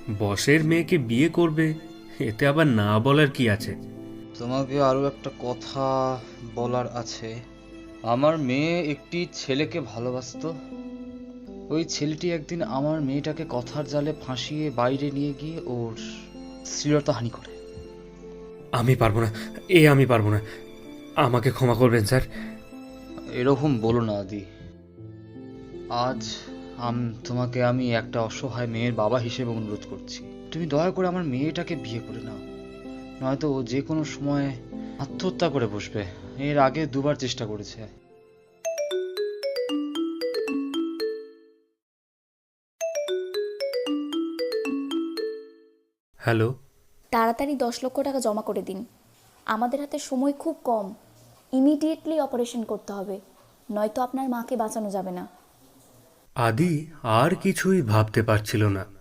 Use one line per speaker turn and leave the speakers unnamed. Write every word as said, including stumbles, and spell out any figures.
বসের মেয়েকে বিয়ে করবে, এতে আবার না বলার কি আছে?
তোমাকে আরও একটা কথা বলার আছে। আমার মেয়ে একটি ছেলেকে ভালোবাসতো। ওই ছেলেটি একদিন আমার মেয়েটাকে কথার জালে ফাঁসিয়ে বাইরে নিয়ে গিয়ে ওর শ্লীলতাহানি করে।
আমি পারবো না, এ আমি পারবো না। আমাকে ক্ষমা করবেন স্যার।
এরকম বলো না আদি। আজ আম তোমাকে আমি একটা অসহায় মেয়ের বাবা হিসেবে অনুরোধ করছি, তুমি দয়া করে আমার মেয়েটাকে বিয়ে করে নাও, নয়তো ও যে কোনো সময় আত্মহত্যা করে বসবে। এর আগে দুবার চেষ্টা করেছে।
হ্যালো।
তাড়াতাড়ি দশ লক্ষ টাকা জমা করে দিন। আমাদের হাতে সময় খুব কম। ইমিডিয়েটলি অপারেশন করতে হবে, নয়তো আপনার মাকে বাঁচানো যাবে না।
আদি আর কিছুই ভাবতে পারছিল না।